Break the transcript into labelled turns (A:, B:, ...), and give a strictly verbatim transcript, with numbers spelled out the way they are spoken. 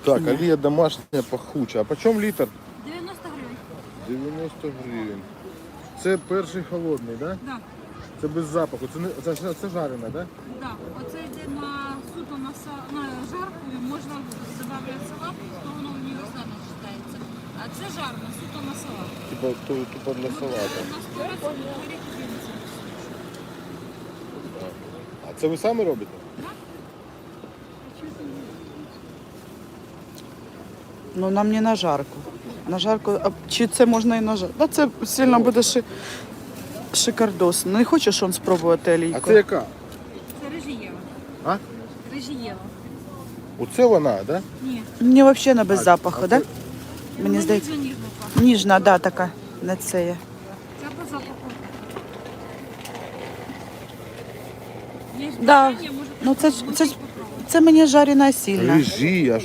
A: Так, олія домашня пахуча. А по чому літр?
B: дев'яносто гривень.
A: дев'яносто гривень. Це перший холодний, так? Да?
B: Да,
A: Це без запаху. Це, не, це, це, це жарене, так? Да?
B: да. Оце йде на суто на, са- на жарку, і можна додати салат, то воно універсально вважається. А це жарно, суто на салат.
A: Типа ту- тупо для салата.
B: У нас перець, горіх, кинеться.
A: А це ви самі робите?
C: Ну нам не на жарку. На жарку, а чи це можна і на жарку? Да, це сильно буде ши... шикардос. Не хочеш он спробувати
A: А
C: олійку?
A: це яка?
B: Це режієва.
A: А?
B: Режієва.
A: Оце вона, так? Да?
B: Ні.
C: Мені взагалі не без запаху,
A: а
C: так?
A: це-
C: Да? Мені здається.
B: Ніжно ніжно пахне.
C: Ніжна, да, така. Не це є.
B: Це по запаху. Є
C: Да.
B: бажання, можете
C: Ну це, ж- це, ж-
B: попробувати.
C: це мені жарена сильна.
A: Режі, а